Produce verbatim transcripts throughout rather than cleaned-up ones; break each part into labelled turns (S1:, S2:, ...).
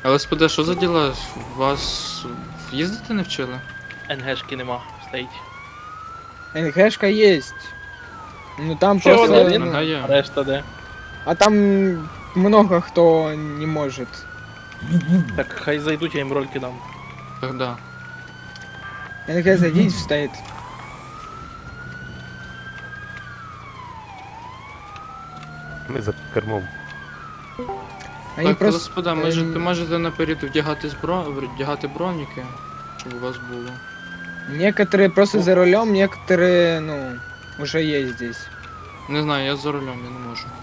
S1: ЛСПД, що за діла? Вас їздити не вчили?
S2: НГшки нема, стоїть.
S3: НГшка есть. Ну там
S2: Ще
S3: просто...
S2: один?
S3: ну,
S1: Ага, є.
S2: Решта де?
S3: а там много кто не может.
S2: Так хай зайдуть, я їм рольки дам.
S1: Так, да.
S3: НГ зайдите, стоит.
S4: Ми за кермом.
S3: Они
S1: Так,
S3: просто...
S1: ЛСПД, може,
S3: ем,
S1: ти можете наперед вдягати, збро... вдягати броніки, щоб у вас було.
S3: Некоторые просто за рулем, некоторые, ну, уже есть здесь.
S1: Не знаю, я за рулем, я не можу.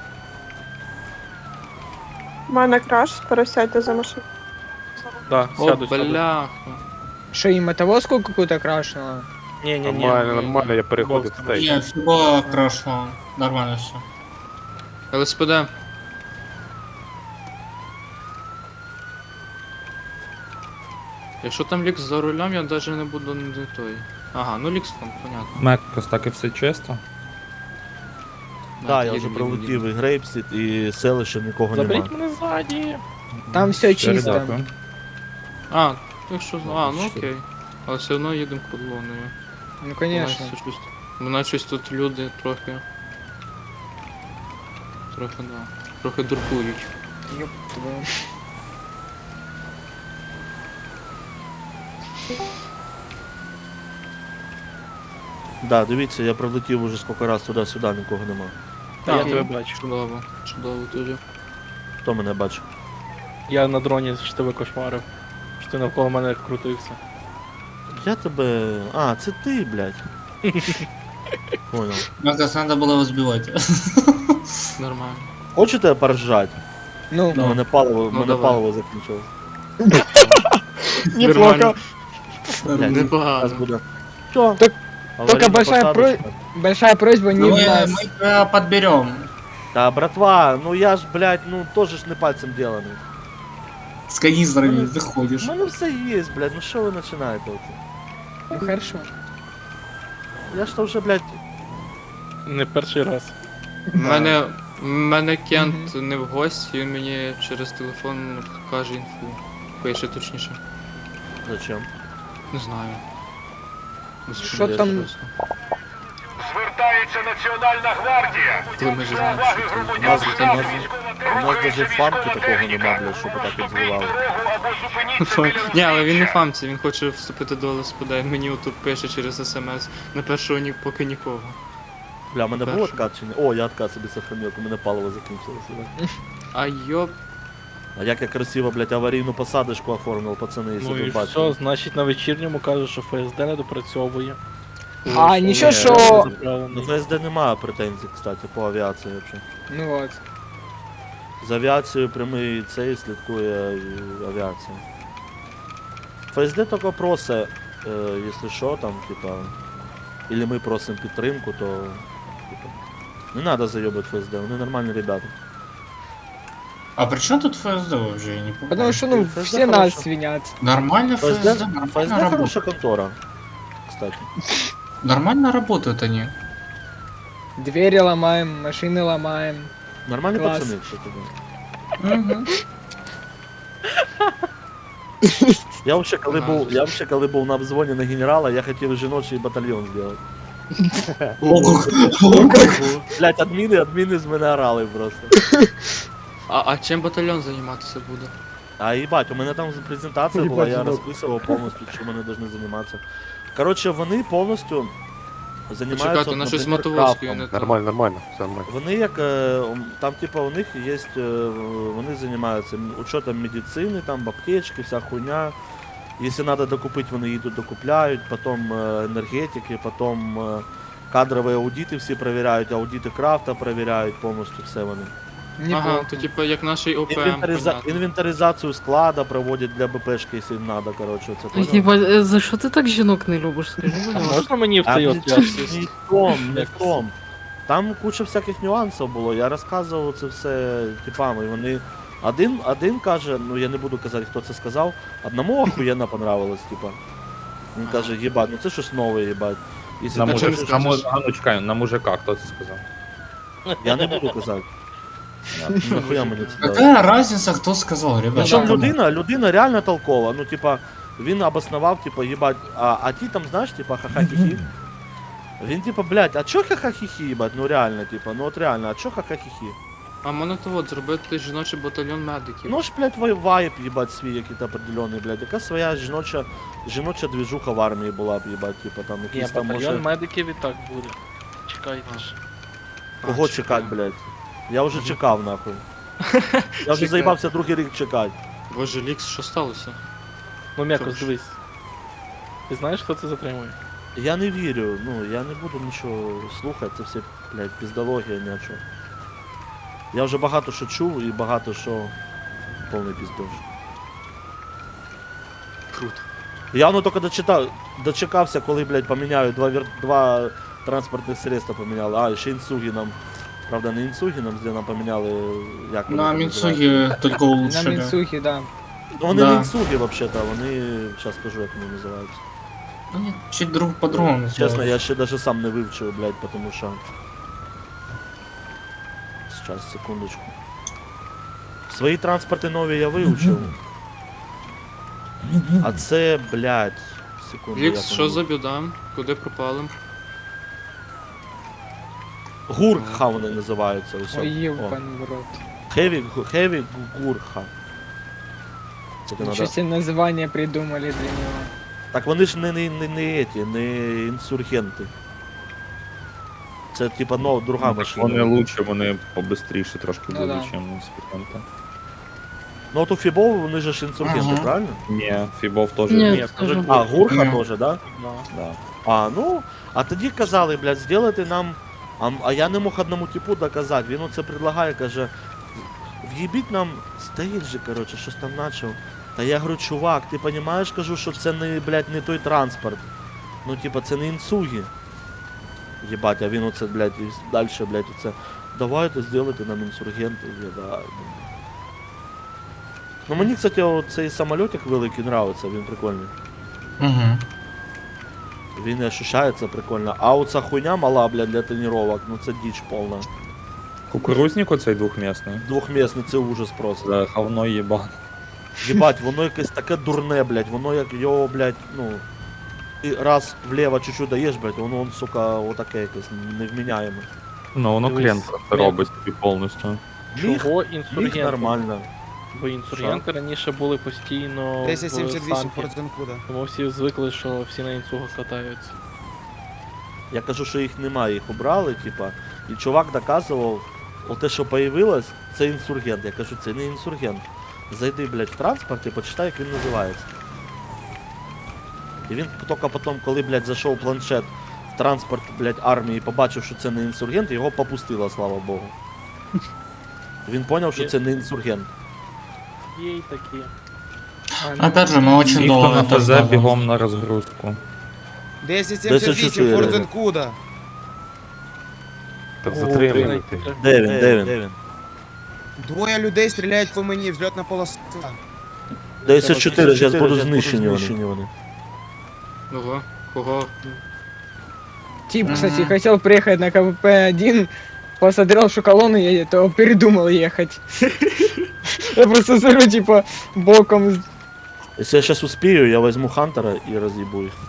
S5: У мене краш, пересядьте за машину.
S2: Да,
S1: О,
S2: сяду, сяду.
S1: бляха.
S3: Что, и мотовозку какую-то крашнуло?
S2: Ні, ні, ні.
S4: Нормально, нормально, я переходив в стейк.
S6: Нет, все было хорошо. Нормально все.
S1: ЛСПД. Якщо там Лікс за рулем, я навіть не буду не той. Ага, ну Лікс там, понятно.
S7: Меккос, так і все чисто.
S8: Так, я
S1: їдемо,
S8: вже
S1: їдемо,
S8: пролетів
S1: їдемо.
S8: і Грейпсіт, і селище нікого нема.
S2: Заберіть мене ззаді.
S3: Там все
S7: Щиро
S3: чисто.
S7: дякую.
S1: А, якщо... А, ну окей. Але все одно їдемо колоною.
S3: Ну, конечно.
S1: Вона щось- Вона щось тут люди трохи. Трохи, да. Трохи дуркують.
S3: Ёб твою.
S8: Да, дивіться, я пролетів уже скільки раз туди-сюди, нікого нема.
S2: Та я
S1: Так.
S2: тебе бачу.
S1: Чудово, чудово тоді.
S8: Хто мене бачив?
S2: Я на дроні ж тебе кошмарив. Що ти навколо мене крутився.
S8: Я тебе. А, це ти, блядь. Понял.
S6: Мне кажется, надо было его сбивать.
S1: Нормально.
S8: Хочете поржать?
S3: Ну,
S8: У мене паливо,
S1: Ну,
S8: мене
S1: давай.
S8: паливо закінчилось.
S3: неплохо.
S8: Блядь, зараз
S1: Непогано.
S8: буде. Що?
S3: Так-
S8: Аварійна
S3: большая
S8: посадочка.
S3: Большая просьба не
S6: Ну,
S3: в
S6: мы,
S3: нас.
S6: мы тебя подберем.
S8: Та, братва, ну я ж, блядь, ну теж ж не пальцем деланий.
S6: С канистрами ты ходишь.
S8: У мене все є, блядь, ну що ви починаєте оце?
S3: Ну хорошо.
S8: Я ж то вже, блядь,
S2: Не перший раз.
S1: У мене, в мене Кент не в гості, він мені через телефон каже інфу. Пише точніше.
S8: зачем?
S1: Не знаю. Не
S3: Що
S1: сподіваюсь
S3: там?
S1: просто.
S9: Звертається Національна гвардія.
S1: Коли ми ж знаємо,
S9: Уваги
S1: що це.
S8: У нас,
S9: громадян
S8: у
S9: стану
S8: нас, у нас даже фармки такого нема, блядь, щоб так відзвивали.
S1: Ні, але він не фамці, він хоче вступити до ЛСПД, мені отут пише через смс. На першого ні, поки нікого.
S8: Бля, у мене був
S1: Перше.
S8: откат чи ні? О, я откат собі сохранив, у мене паливо закінчилося. блядь.
S1: А йоп.
S8: А як я красиво, блядь, аварійну посадочку оформив, пацани, якщо
S2: Ну і
S8: ви
S2: все,
S8: бачили.
S2: значить на вечірньому кажуть, що ФСД не допрацьовує.
S3: А, ничего,
S8: Ні,
S3: что...
S8: До
S2: Заправлений.
S8: ФСД немає претензій, кстати, по авіації взагалі.
S3: Ну вот.
S8: З авіацією прямий цей слідкує і авіація. ФСД тільки просить, е, якщо що, там, типа, или ми просимо підтримку, то типа, не треба зайобати ФСД, вони нормальні ребята.
S6: А при чем тут ФСД вообще? Я не помню.
S3: Потому что, ну,
S8: ФСД
S3: все нас
S8: хорошо.
S3: свинят.
S6: Нормально ФСД,
S8: ФСД,
S6: нормально
S8: ФСД
S6: работает.
S8: хороша контора, кстати.
S6: Нормально работают они.
S3: Двери ломаем, машины ломаем.
S8: Нормальні
S3: Клас.
S8: пацани, кстати.
S6: Мгм.
S8: Я вообще, коли був, я вообще, коли був на обзвоні на генерала, я хотів жіночий батальйон зробити.
S6: О, как.
S8: Блять, адміни, адміни з мене орали просто.
S1: А, а чим батальйон займатися буде?
S8: А їбать, у мене там презентація була, я розписував повністю, чим вони повинні займатися. Коротше, вони повністю займаються,
S1: Почекати, на щось
S8: наприклад,
S1: мотовозкою
S8: крафтом.
S1: не то.
S4: Нормально, нормально, все нормально.
S8: Вони як, е, ум, там типа у них є, е, вони займаються м- учетом медицини, там аптечки, вся хуйня. Якщо треба докупити, вони їдуть докупляють, потім е, енергетики, потім е, кадрові аудити всі перевіряють, аудити крафта перевіряють повністю все вони.
S1: Ага,
S3: Неплохо.
S1: то типу як наш ОПМ,
S8: Інвентариза...
S1: понятно.
S8: Інвентаризацію склада проводять для БПшки, якщо їм треба, коротше, це понял?
S10: Єбать, е, за що ти так жінок не любиш, скажи, будь
S2: А
S10: ласка?
S2: можна мені в
S8: А
S2: цей
S8: не
S2: от пляшці?
S8: не в том, не в том. Там куча всяких нюансів було, я розказував це все типам, і вони... Один, один каже, ну я не буду казати, хто це сказав, одному охуєнно понравилось, типа. Він каже, їбать, ну це щось нове, їбать. Якщо
S7: На
S8: ти
S1: мужик-
S8: хочеш-
S7: мужика, на, му- а ну чекай, на мужика, хто це сказав?
S8: Я не буду казати. Нахуя мені це дали?
S6: Какая разница, кто сказал, ребята?
S8: Причому
S6: кому?
S8: людина, людина реально толкова. Ну, типа, він обоснував, типа, їбать, а, а ті там, знаєш, типа, ха-ха-хі-хі. Він, типа, блядь, а чо ха-ха-хі-хі, їбать, ну реально, типа, ну от реально, а чо ха-ха-хі-хі?
S1: А можна то от зробити жіночий батальйон медиків.
S8: Ну ж, блядь, вай- вайб, їбать, свій якийсь определенний, блядь, яка своя жіноча, жіноча двіжуха в армії була б, їбать, типа, там
S2: Ні,
S8: якісь там,
S2: батальйон
S8: може,
S2: медиків і так буде. Чекайте ж.
S8: кого
S1: А,
S8: чекати,
S1: чекаю.
S8: блядь? Я вже чекав, нахуй. Я вже
S1: Чекаю.
S8: заїбався другий рік чекати.
S1: Боже, Лікс, що сталося?
S2: Ну, м'яко,
S1: Що ж?
S2: дивись. Ти знаєш, хто це затримує?
S8: Я не вірю, ну, я не буду нічого слухати, це все, блядь, піздологія, ні о чому. Я вже багато що чув і багато що повний піздож.
S1: Круто.
S8: Я воно тільки дочитав, дочекався, коли, блядь, поміняють два, вір... два транспортних средства поміняли. А, ще інсуги нам. Правда, не інсуги нам, де нам поміняли, як вони
S6: На
S8: там
S6: Мицуги только
S3: На
S6: улучшили.
S3: Мінсухі, да.
S8: Ну вони
S6: Да.
S8: не інсуги, взагалі-то, вони, зараз скажу, як вони називаються.
S6: Они чуть друг по-другому
S8: Чесно,
S6: называют.
S8: я ще даже сам не вивчив, блядь, потому що... Сейчас, секундочку. Свої транспорти нові я вивчив. А це, блядь, секунду.
S1: Лікс,
S8: як
S1: що
S8: воно?
S1: за біда? Куди пропали?
S8: Гурха вони називаються. Ось.
S3: Ой,
S8: О.
S3: євпан в рот.
S8: Хеві, хеві гурха. Це ти
S3: Нічого
S8: надо...
S3: себе названня придумали для нього.
S8: Так вони ж не, не, не, не еті, не інсургенти. Це типа, ну, друга машина.
S7: Вони лучше, вони побистріше трошки
S3: Ну
S7: будуть,
S3: да.
S7: ніж спіденти.
S8: Ну от у Фібов вони же ж інсургенти,
S6: Ага.
S8: правильно?
S7: Ні, Фібов теж.
S10: Ні,
S2: Ні,
S10: це ж
S2: дуже
S8: А, гурха
S6: Ні.
S8: теж, да?
S2: Да.
S8: Да. А, ну, а тоді казали, блядь, зробити нам. А, а я не мог одному типу доказати. Він оце предлагає, каже, в'їбіть нам стейджі, коротше, щось там начав. Та я говорю, чувак, ти розумієш, кажу, що це не, блядь, не той транспорт. Ну, типа, це не інсуги. Єбать, а він оце, блядь, і далі, блядь, оце. Давайте зробити нам інсургенти. Я, да. Ну мені, кстати, цей самольотик великий нравиться, він прикольний.
S6: Угу.
S8: Він ощущається прикольно. А оця хуйня мала, блядь, для тренувань, ну це діч повна.
S7: Кукурузник оцей двохмісний.
S8: Двохмісний, це ужас просто.
S7: За говно їбан.
S8: Єбать, воно якесь таке дурне, блядь, воно як його, блядь, ну. Ти раз вліво чуть-чуть даєш, блядь, воно, он, сука, отаке якесь невміняєме.
S7: Ну, воно
S2: Дивись,
S7: клієнт просто
S2: м'яко.
S7: робить тобі повністю.
S8: Міг,
S2: Чого
S8: міг
S2: інсургенти?
S8: нормально.
S2: Бо інсургенти раніше були постійно
S11: десять сімдесят вісім
S2: в
S11: Форт
S2: Санкі.
S11: Занкуда.
S2: Тому всі звикли, що всі на інсугах катаються.
S8: Я кажу, що їх немає, їх обрали, типа. І чувак доказував, оте, що появилось, це інсургент. Я кажу, це не інсургент. Зайди, блядь, в транспорт і почитай, як він називається. І він тільки потім, коли, блядь, зайшов планшет в транспорт, блядь, армії і побачив, що це не інсургент, його попустило, слава Богу. Він зрозумів, що це не інсургент.
S2: Є й такі.
S3: А, ну,
S6: Опять же, мы очень
S7: Всі, хто
S6: долго
S7: на
S6: это
S7: ФЗ,
S6: ждали.
S7: бігом на розгрузку.
S11: десять сімдесят вісім Форт Занкуда.
S4: Так
S2: О,
S4: затриманий ти.
S2: три-
S8: Де він, де він? Де він?
S11: Двоє людей стріляють по мені, взльотна полоса.
S8: десять чотири, зараз будуть знищені вони.
S1: Ого, кого?
S3: Тип, кстати,
S6: Мгм.
S3: хотел приехать на ка вэ пэ один, посмотрел, что колонна едет, то передумал ехать. Я просто смотрю, типа, боком.
S8: Якщо я зараз успію, я візьму Хантера і роз'їбу їх.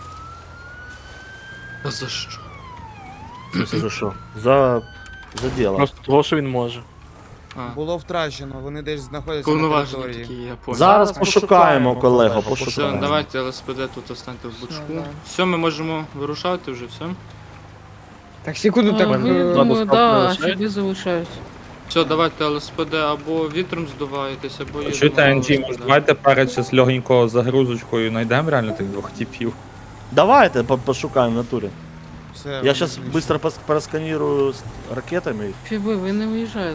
S1: А за що?
S8: В смысле, за що? За... за діло.
S2: Просто того, що він може.
S1: А,
S11: Було втрачено, вони десь знаходяться на
S1: повноваження
S11: території.
S1: такі, я понял.
S8: Зараз пошукаємо, колего,
S1: Все,
S8: пошукаємо.
S1: давайте ЛСПД тут останьте в бочку.
S3: Ну, да.
S1: Все, ми можемо вирушати вже, все.
S3: Так, секунду, так...
S10: А, ви,
S3: э,
S2: Ладно,
S10: думаю,
S2: стоп,
S10: да,
S2: залишають?
S10: собі залишаюсь.
S1: Все, давайте ЛСПД або вітром здуваєтесь, або їдемо
S7: Чуєте,
S1: на
S7: Енджі,
S1: ЛСПД.
S7: може давайте перед щас легенько загрузочкою знайдемо реально тих двох типів.
S8: Давайте по- пошукаємо в натурі.
S11: Все,
S8: Я
S11: вони
S8: зараз
S11: знищені.
S8: швидко пос- просканірую з ракетами.
S10: Фіби, ви не виїжджаєте.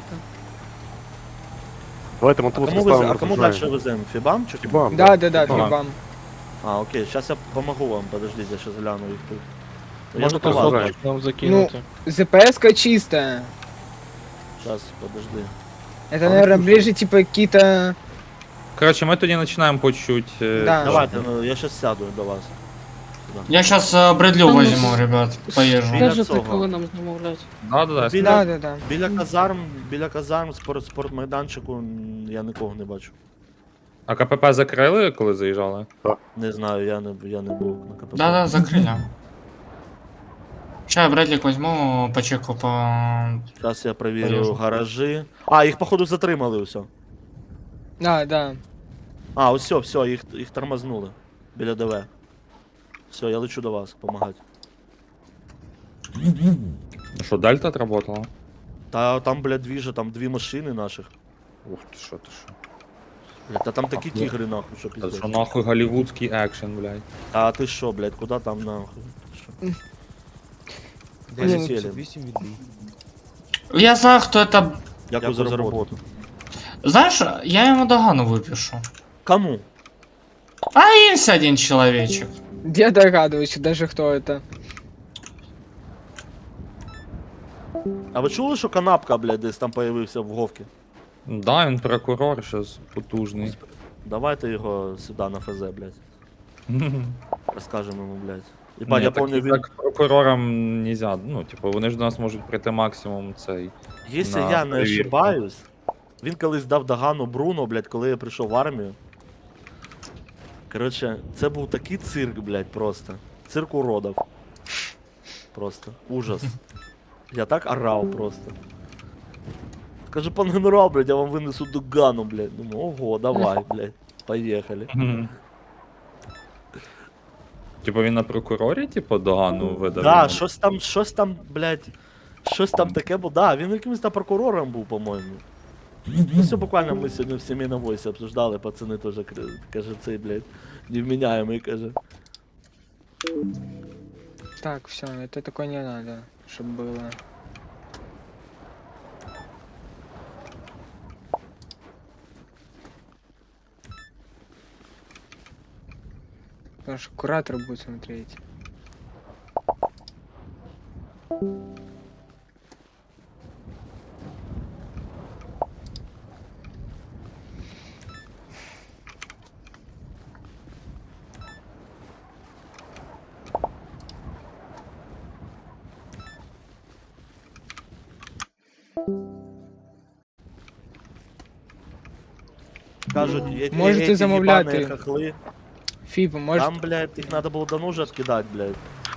S4: Давайте
S8: А
S4: мотовоз
S8: кому, вез... а
S4: поставимо.
S8: кому далі веземо? Фібам чи кому?
S4: Фібам,
S3: Да, да, да,
S4: Фібам.
S3: фибам.
S8: А, окей, зараз я помогу вам, подождите, я зараз гляну їх тут. Я
S2: Можна
S8: ж по вас,
S2: кусок нам закинути.
S3: зэ пэ эска чистая.
S8: зараз, подожди.
S3: Это, наверное, ближе, типа, какие-то...
S7: Коротше, ми тоді починаємо по чуть. е,
S3: Да.
S8: Давайте, ну, я зараз сяду до вас.
S6: Я сейчас Бредлю
S10: Там
S6: возьму,
S10: ось-
S6: ребят, поезжу.
S8: Біля
S10: Скажете,
S8: цього.
S10: коли нам замовлять.
S7: Да, да, да.
S8: Біля,
S3: Да, да, да.
S8: біля казарм, біля казарм, спорт, спортмайданчику м, я нікого не бачу.
S7: А КПП закрили, коли заїжджали?
S8: Не знаю, я не, я не був на КПП.
S6: Да-да, закрыли. Сейчас я Брэдлик возьму, почеку по...
S8: Зараз я перевірю
S6: Поїжджу.
S8: гаражі. А, їх походу затримали все.
S3: Да, да.
S8: А, ось все, все, їх, їх тормознули. Біля ДВ. Все, я лечу до вас, помагати.
S7: Ну що, Дельта отработала?
S8: Та там, блядь, дві же, там дві машини наших.
S7: Ух ти що, ти що.
S8: Блядь, та там такі
S7: Ах, ну.
S8: тігри, нахуй, що
S7: Це
S8: піздець.
S7: що нахуй голівудський екшен, блядь.
S8: А ти що, блядь, куди там нахуй? Що?
S3: Блін,
S8: Полетіли.
S6: Я знаю, кто это...
S8: Дякую за роботу.
S6: Знаешь, я ему догану выпишу.
S8: Кому?
S6: А есть один человечек.
S3: Я догадываюсь даже, кто это.
S8: А ви чули, що канапка, блядь, десь там появився в Говці?
S7: Да, він прокурор щас потужний.
S8: Давайте його сюди на ФЗ, блядь. Розкажемо йому, блядь. Єбать,
S7: Ні,
S8: я
S7: так,
S8: помню, він...
S7: так прокурорам нельзя, ну, типу, вони ж до нас можуть прийти максимум цей.
S8: Якщо
S7: на
S8: я не
S7: перевірку.
S8: ошибаюсь, він колись дав догану Бруно, блядь, коли я прийшов в армію. Коротше, це був такий цирк, блядь, просто. Цирк уродов. Просто. Ужас. Я так орав просто. Каже, пан генерал, блядь, я вам винесу догану, блядь. Думаю, ого, давай, блядь. Поїхали.
S7: Типу він на прокурорі, типу, догану видав?
S8: Да,
S7: йому?
S8: щось там, щось там, блядь, щось там таке було. Да, він якимось там прокурором був, по-моєму. Ну, все буквально ми сьогодні в сім'ї на войсі обсуждали, пацани теж, кр- каже, цей, блядь, невменяемый, каже.
S3: Так, все, это такое не надо, чтобы было. Потому что куратор будет смотреть.
S8: Кажуть, є
S3: Можете
S8: ті
S3: замовляти.
S8: їбані хохли.
S3: Фиба, может...
S8: Там, блядь, їх треба було давно вже відкидати, блядь.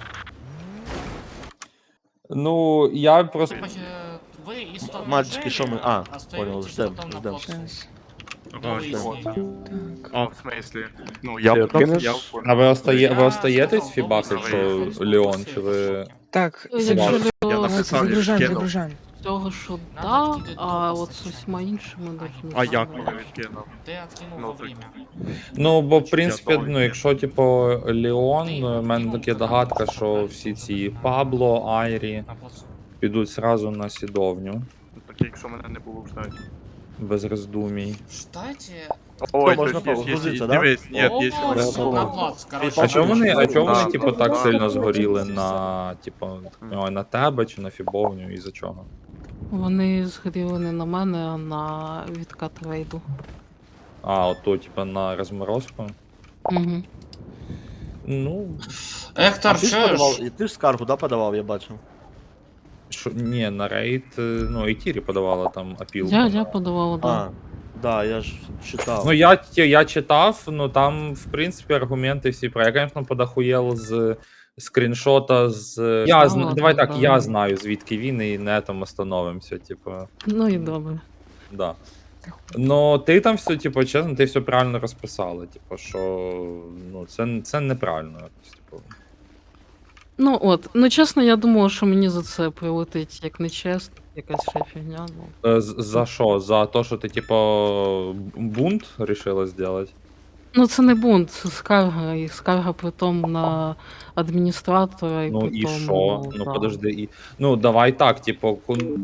S7: Ну, я просто.
S6: Вы из того
S8: Мальчики, що ми... А,
S6: остаетесь
S8: понял, ждем,
S6: потом на
S8: ждем.
S6: плацу.
S3: Сейчас.
S6: До выяснения.
S3: Так.
S12: А, в смислі? Ну,
S4: Ти
S12: я
S4: откинеш?
S12: я
S7: А ви, остає... ви
S6: Я
S7: остаєтесь
S6: сказал,
S7: фібах,
S6: до
S7: якщо
S6: выяснения.
S7: Леон, чи ви.
S3: Так,
S10: Якщо
S7: Собака.
S12: Я
S10: Леон
S12: написав,
S3: загружаем,
S12: відкинув.
S3: загружаем.
S10: цього, що
S6: Надо
S10: да,
S6: відкидати
S10: а
S6: допуск,
S10: от з
S6: якщо
S10: усіма іншими навіть не
S12: А
S10: знаю.
S12: як мене відкинув?
S6: Ты откинул
S12: Ну,
S6: во
S12: так.
S6: время.
S7: Ну, бо в
S12: Я
S7: принципі,
S12: думаю,
S7: ну,
S12: ні.
S7: якщо, типу, Леон, в мене така догадка, що всі ці Пабло, Айрі
S6: На плацу.
S7: підуть зразу на сідовню,
S12: Так якщо мене не було в штаті.
S7: без роздумій.
S6: Кстати,
S12: Ой,
S8: можна
S12: то есть,
S8: погрузитися,
S12: є-
S8: да?
S12: Дивись, ні,
S6: о,
S12: є
S6: всё,
S12: ще
S6: на плац, короче.
S7: А чому вони, а чому вони,
S12: Да.
S7: типу, так сильно згоріли на, типу, ой, на тебе чи на фібовню, і за чого?
S10: Вони згоріли не на мене, а на відкат рейду.
S7: А, ото, типу, на розморозку?
S10: Угу.
S7: Ну,
S8: А
S6: Ектор,
S8: ти ж
S6: чуешь?
S8: подавав, і ти ж скаргу, да, подавав, я бачив.
S7: що, ні, на рейд, е, ну, і Тірі подавала там апілку.
S10: Я, я подавала, да.
S8: А, да, я ж читав.
S7: Ну, я, ті- я читав, ну там, в принципі, аргументи всі про. Я, звісно, подахуєл з скріншота з. Я, зна-
S10: ладно,
S7: давай так, я
S10: правильно.
S7: знаю, звідки він, і на этом остановимося, типу.
S10: Ну і добре.
S7: Да. Ну, ти там все, типу, чесно, ти все правильно розписала. Типу, що ну, це, це неправильно якось, типу.
S10: Ну от, ну чесно, я думала, що мені за це прилетить як нечесно, якась ще фігня. Ну.
S7: Е, з- За що? За те, що ти, типу, бунт вирішила зробити?
S10: Ну це не бунт, це скарга, і скарга притом на адміністратора, і
S7: Ну і
S10: притом,
S7: що? Ну
S10: да.
S7: подожди, і. Ну, давай так, типу, кон-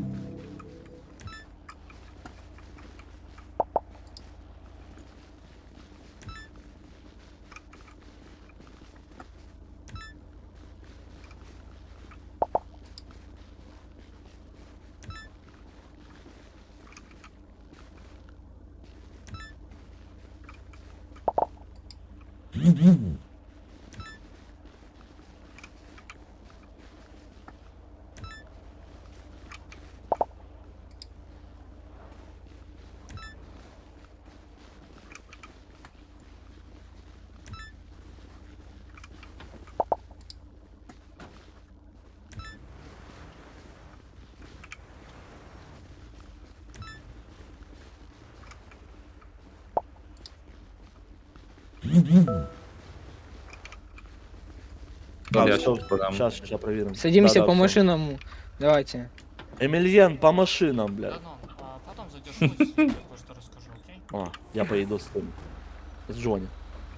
S7: Я
S8: все,
S7: щас подам.
S8: сейчас, сейчас проверим.
S3: Садимся
S8: Да-да,
S3: по
S8: всё.
S3: машинам. Давайте.
S8: Эмильен, по машинам, блядь.
S6: Да ну, а потом задержусь, кое-что расскажу, окей?
S8: А, я поеду с тем. С Джонни.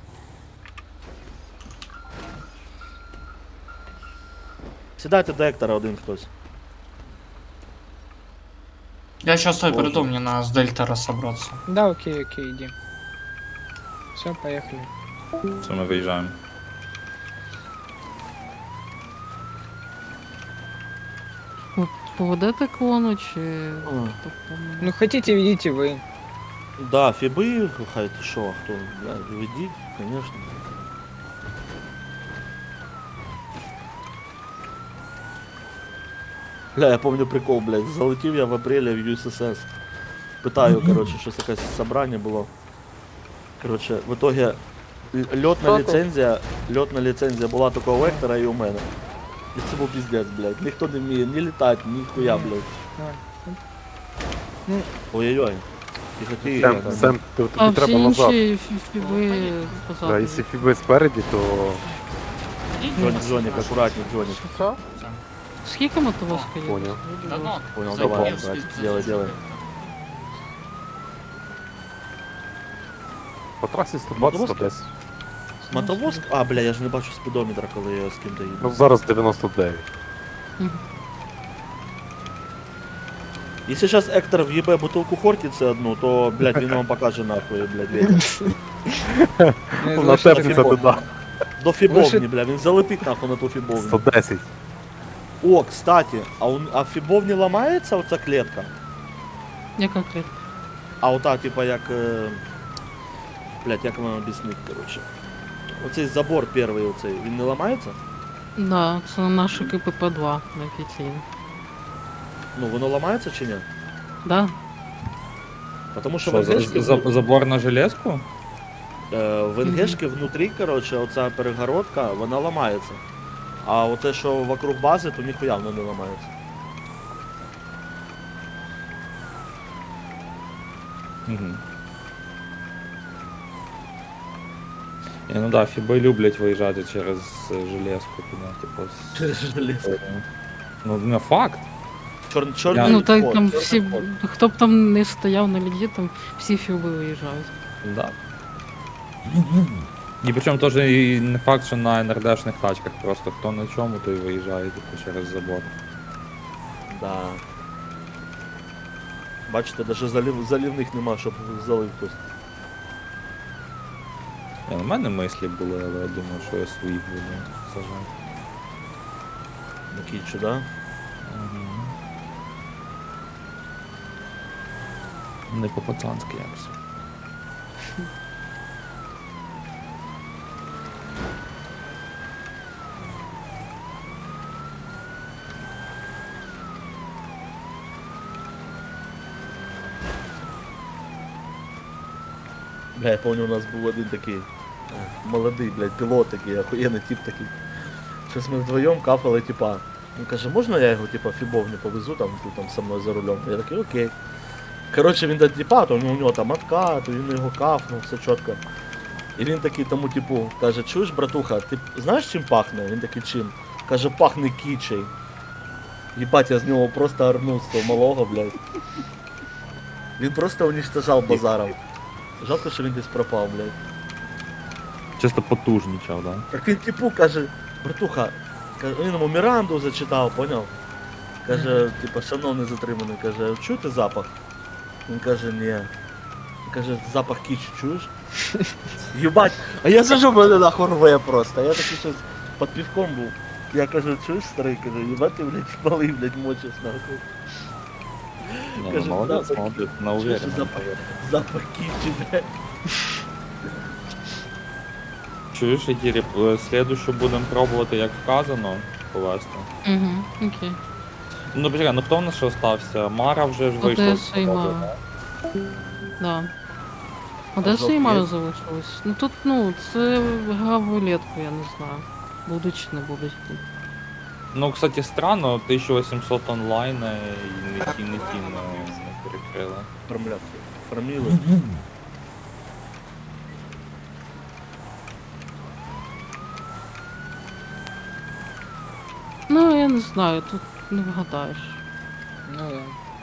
S8: Сідайте до Ектора один хтось.
S6: Я сейчас стой
S8: Боже.
S6: приду, мне надо с Дельта разобраться.
S3: Да, окей, окей, иди. Все, поехали.
S7: Все, ми виїжджаємо.
S10: Ви поведете колону чи.
S3: Ну хотите, видите вы.
S8: Да, фіби, хай ти шо, а хто, блядь, ведіть, конечно. Бля, я помню прикол, блядь, залетів я в апрелі в ю ес ес ес. Питаю, короче, щось якесь собрання було. Короче, в итоге л- льотна ліцензія, льотна ліцензія була тільки у Вектора і у мене. І це був піздець, блядь. Ніхто не вміє ні літати, ні хуя, блядь.
S3: Ну,
S8: Ой-ой-ой. Тихо, тихо.
S4: Сем,
S8: там.
S4: Сем, ти-
S10: А
S4: тобі
S10: всі
S4: треба назад.
S10: інші фі- фіби
S4: Да,
S10: позаду.
S4: якщо фіби спереді, то
S8: Джонік, Джонік, акуратней, Джонік.
S10: Скільки мотовозка є?
S4: Понял.
S6: Да ну,
S8: Понял,
S6: зайди,
S8: давай,
S6: я
S8: брать,
S6: спи-
S8: делай,
S6: зайду.
S8: делай.
S4: по трасі сто двадцять сто десять.
S8: Мотовозк? А, бля, я ж не бачу спідометра, коли я з ким-то їду.
S4: Ну зараз дев'яносто дев'ять.
S8: Якщо зараз Ектор в'їбе бутилку Хортиці одну, то, блядь, він вам покаже нахуй, блядь, ветер.
S3: ну,
S4: На
S3: лучше
S4: тепці це
S8: фібовні.
S4: туди.
S8: До фібовні,
S3: Лучше-
S8: бля, він залепить нахуй на ту фібовню.
S4: сто десять.
S8: О, кстати, а, у, а в фібовні ламається оця клетка?
S10: Яка клітка?
S8: А ота, типа, як... Е... Блядь, як вам об'яснити, коротше. Оцей забор перший оцей, він не ламається?
S10: Да, це наше ка пе пе два офіційно.
S8: Ну, воно ламається чи ні?
S10: Да?
S8: Потому що
S7: Що,
S8: в
S7: за-
S8: НГшки,
S7: за- забор на железку?
S8: е, в НГшки внутрі, коротше, оця перегородка, вона ламається. А оце, що вокруг бази, то ніхуя воно не ламається.
S7: Угу. Ні, ну да, фіби люблять виїжджати через е, железку туди, типу. з-
S8: Через железку.
S7: Ну, не факт.
S8: Чор, чорний
S10: Ну так
S8: вход,
S10: там
S8: чорний
S10: всі.
S8: вход.
S10: Хто б там не стояв на ліді, там всі фіби виїжджають.
S7: Да. І причому теж і не факт, що на ен ер дешних тачках, просто хто на чому, той виїжджає типу, через забор.
S8: Да. Бачите, навіть залів, залівних нема, щоб залив хтось.
S7: Ні, у мене мислі були, але я думаю, що я своїх буду сажати.
S8: На кічу, да?
S7: Угу. Не по-пацанськи якось.
S8: Бля, я пам'ятаю, у нас був один такий е, молодий, блядь, пілот такий, охуєнний тип такий. Щось ми вдвоєм кафали, типа. Він каже, можна я його, типа, фібовню повезу, там, ти там со мною за рулем? Я такий, окей. Коротше, він до типа, то у нього там откат, він його кафнув, все чітко. І він такий тому, типу, каже, чуєш, братуха, ти знаєш чим пахне? Він такий, чим? Каже, пахне кічей. Єбать, я з нього просто орнув з того малого, блядь. Він просто уничтожав базаром. Жалко, що він десь пропав, блядь.
S7: Чисто потужнічав, да?
S8: Так він типу каже, братуха, каже, він йому Міранду зачитав, поняв? Каже, типа, шановний затриманий, каже, чуєте запах? Він каже, ні. Він каже, запах кічі, чуєш? Єбать, а я сижу, мене нахуй рве просто, я такий щось під півком був. Я кажу, чуєш, старий, кажу, єбать ти, блядь, малий, блядь, мочиш нахуй.
S7: Ні,
S8: Каже,
S7: ну, молодець,
S8: запах-
S7: молодець, на
S8: Чуєш,
S7: уверенно.
S8: запах, запах кічі, блядь.
S7: Чуєш, Ігірі, слідуючу будемо пробувати, як вказано, повести.
S10: Угу, окей.
S7: Ну, почекай, ну хто в нас ще остався? Мара вже ж вийшла. з
S10: Одеса і
S7: заводу,
S10: Мара.
S7: да?
S10: Да. Одеса і
S8: жовт
S10: Мара
S8: є?
S10: залишилось. Ну тут, ну, це гра в рулетку, я не знаю. Будуть чи не будуть.
S7: Ну, кстати, странно, тисяча вісімсот онлайн і не ті, не ті не, не перекрили.
S8: Формля, форміли.
S10: я не знаю, тут не вгадаєш.
S3: Ну да.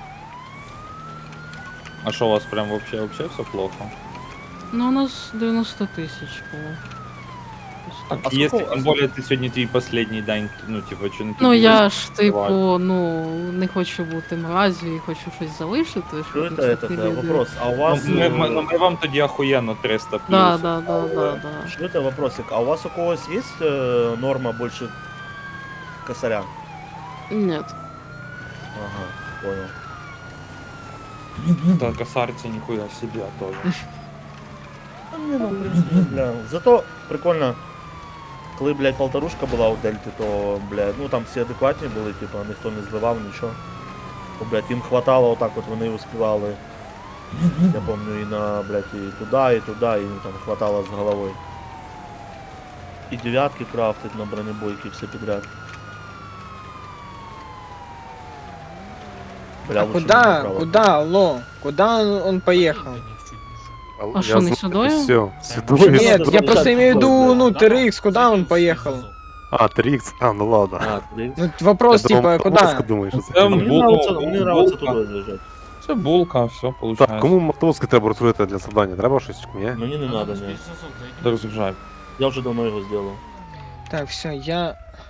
S7: А що у вас прям вообще, вообще все плохо?
S10: Ну, у нас дев'яносто тисяч було.
S7: Так,
S8: А
S7: если,
S8: сколько-
S7: тем более, ты сегодня твій последний день, ну, типа, чи не
S10: Ну
S7: тобі
S10: я ж,
S7: відкривати?
S10: типу, ну, не хочу бути мразю і хочу щось залишити.
S8: Что
S10: щоб
S8: это,
S10: не
S8: этот
S10: такі
S8: э,
S10: люди.
S8: вопрос? А у
S7: Ну,
S8: вас...
S7: ми, ми,
S8: э,
S7: ну, ми вам тоді охуєнно триста плюс.
S10: Да, да, да, да, да.
S8: Что это вопросик? А у вас у когось есть э, норма больше косаря?
S10: Нет.
S8: Ага, понял.
S7: Ну, да, косарці ніхуя себе тоже.
S8: А не, ну, в принципе, бля. Зато прикольно, коли, блядь, полторушка була у Дельти, то, блядь, ну там всі адекватні були, типа, ніхто не зливав, нічого. То, блядь, їм хватало отак от, вони успівали. Я помню, і на, блядь, і туди, і туди, і їм там хватало з головою. І дев'ятки крафтить на бронебойки, все підряд. Бля,
S3: А
S8: лучше
S3: куда,
S8: не направо.
S3: куда, алло? Куда он, он поехал?
S10: А что, не сюда?
S4: Все, сюда.
S8: Нет,
S3: Нет,
S8: это
S3: я
S8: за-
S3: просто имею в виду,
S8: да.
S3: ну, ти эр икс, куда он поехал?
S4: А, три ікс, а, ну ладно.
S8: А, блін.
S3: Ну, вопрос,
S4: Я думав,
S3: типа,
S4: мотузка,
S3: куда?
S4: думаєш, що
S7: Це
S4: це?
S8: Мені
S7: бул-
S8: нравиться,
S7: ну,
S8: мені нравиться
S7: булка.
S8: туди лежать.
S7: Це булка, все, получается.
S4: Так, кому мотузки треба розкрити для завдання? Треба щось, ні?
S8: Мені не надо, ні.
S7: Розгружай.
S8: Я вже давно його зробив.
S3: Так, все, я...